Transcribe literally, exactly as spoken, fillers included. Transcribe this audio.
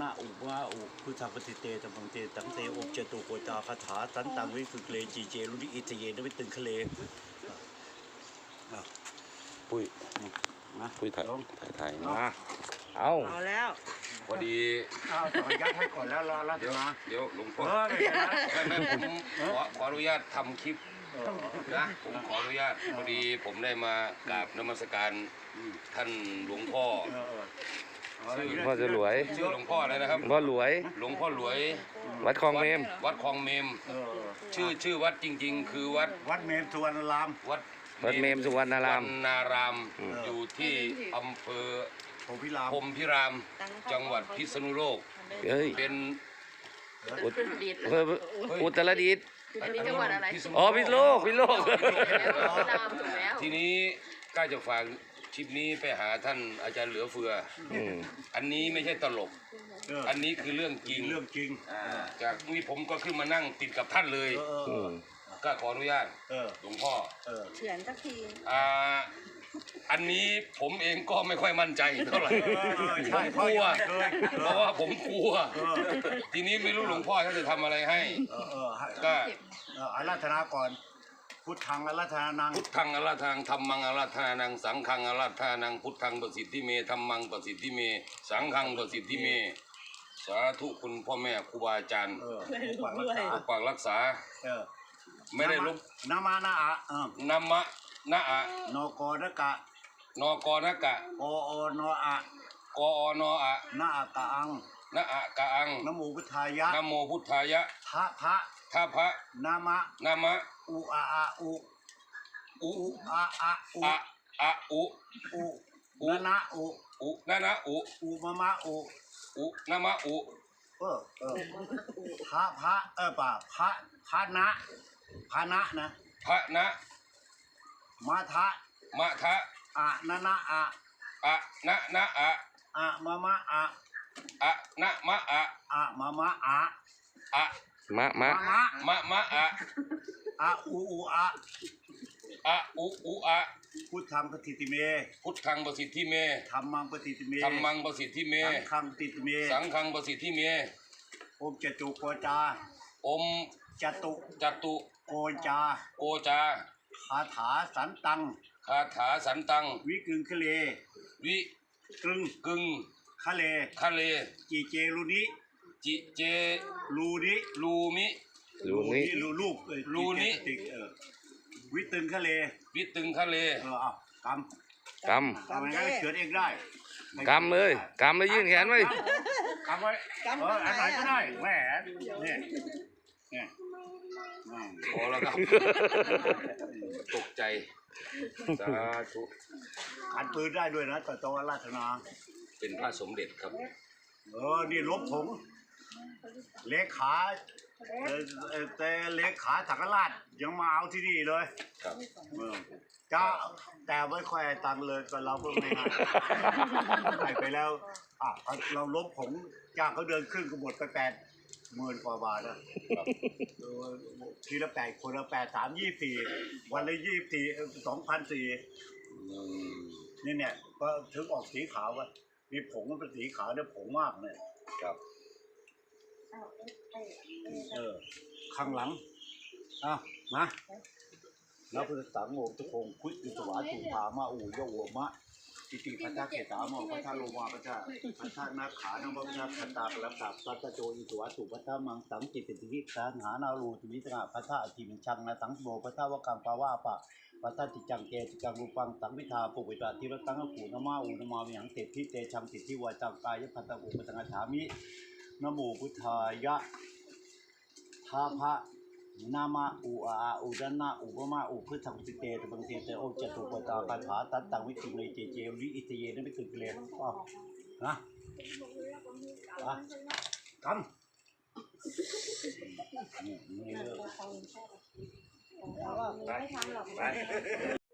นาอุวาอุพุทธปฏิเตตมังเตตังเตอบเจตุโกตาคาถาสันตังวิสุเคลจีเจรุนิอิตเยนวิตึงเคเลปุ้ยนะปุ้ยถ่ายถ่ายถ่ายมาเอาเอาแล้วพอดีเอาต่อยัดให้ก่อนแล้วรอแล้วเดี๋ยวเดี๋ยวหลวงพ่อไม่ไม่ผมขอขออนุญาตทำคลิปนะผมขออนุญาตพอดีผมได้มากราบนมัสการท่านหลวงพ่อชื่อหลวงพ่อจะรวยชื่อหลวงพ่ออะไรนะครับพ่อรวยหลวงพ่อรวยวัดคลองเมมวัดคลองเมมชื่อชื่อวัดจริงๆคือวัดวัดเมมสุวรรณารามวัดวัดเมมสุวรรณารามนารามอยู่ที่อำเภอพรหมพิรามพรหมพิรามจังหวัดพิษณุโลกเป็นอุตรดิตถ์อันนี้จังหวัดอะไรอ๋อพิษณุโลกพิษณุโลกทีนี้ก็จะฝากคลิปนี้ไปหาท่านอาจารย์เหลือเฟืออันนี้ไม่ใช่ตลกอันนี้คือเรื่องจริงเรื่องจริงจากนี้ผมก็ขึ้นมานั่งติดกับท่านเลยก็ขออนุญาตหลวงพ่อเฉียนสักทีอ่าอันนี้ผมเองก็ไม่ค่อยมั่นใจเท่าไหร่ผมกลัวเพราะว่าผมกลัวทีนี้ไม่รู้หลวงพ่อท่านจะทำอะไรให้ก็อาราธนาก่อนพุทธังอาราธนานังพุทธังอาราธนาธัมมังอาราธนานังสังฆังอาราธนานังพุทธังประสิทธิเมธัมมังประสิทธิเมสังฆังประสิทธิเมสาธุคุณพ่อแม่ครูบาอาจารย์ปกปักรักษาไม่ได้ลบนามานาอะนามะนะอะนกนกะนกนกะกอนอะกอนอะนาอะกะอังนะอะกะอังนโมพุทธายะนโมพุทธายะทะพะทะพะนามะนามะอุอะอะอุอุอะอะอุอะอะอุอุนะนะอุอุนะนะอุอุมะมะอุอุนะมะอุเออเออพระพระเออป่าพระพระนะพระนะนะพระนะมาทะมะทะอะนะนะอะอะนะนะอะอะมะมะอะอะนะมะอะอะมะมะอะอะมะมะมะมะอะอะอูอูอะอะอุอุอะพุทธังปฏิติเมพุทธังประสิทธิเมธัมมังปฏิติเมธัมมังประสิทธิเมสังฆังปฏิติเมสังฆังประสิทธิเมอมจตุโกจาอมจตุจตุโกจาโกจาคาถาสันตังคาถาสันตังวิกึงคะเลวิกึงกึงคะเลคะเลจีเจลูนิจิเจลูนิลูมิลูมิลูลูกลูนิวิตึงคะเลวิตึงคะเลเออเอากำกำกำงั้นเขียนเองได้กำเลยกำเลยยื่นแขนไว้กำไว้เอออันไหนก็ได้แหวนเนี่ยเนี่ยพอแล้วครับตกใจสาธุขันปืนได้ด้วยนะต่อจอราชนาเป็นพระสมเด็จครับเออนี่ลบผงเลขาแต่เลขาสักราชยังมาเอาที่นี่เลยครับจ้าแต่ไม่ค่อยตังเลยก็เราเพิ่งไม่ให้ให้ไปแล้วอ่ะเราลบผงจ้าเขาเดินขึ้นก็หมดไปแปดหมื่นกว่าบาทนะทีละแปดคนละแปดสามยี่สี่วันละยี่สี่สองพันสี่นี่เนี่ยก็ถึงออกสีขาวว่ามีผงมันเป็นสีขาวเนี่ยผงมากเลยครับเออข้างหลังอ่ะมาแล้วพุทธสังโฆทุกองคุยอิสวาสุภามาอูโยโวมะติติพัทธเกตามอพัทธโลมาพัทธพัทธนาขานังพัทธคันตาปรัตตาพัทธโจอิสวาสุพัทธมังสังจิตติวิสังหานารูติวิสงะพัทธอธิมิชังนะสังโมพัทธวกังปาวาปะพัทธจิจังเกจิจังรูปังสังวิทาปุวิตาทิรตังกูนมาอูนมาวิหังเตพิเตชังติทิวาจังกายพัทธอุปสังฆามินโมพุทธายะทาภะนามาอุอาอุดนะอุปมาอุพุทธังติเตตบังเตเตโอจตุปตาคาถาตัตตังวิจิเมเจเจริอิตเยนไม่ตึกเลยอ๋อนะอ่ะกำนี่นี่เลยไม่ทำหรอก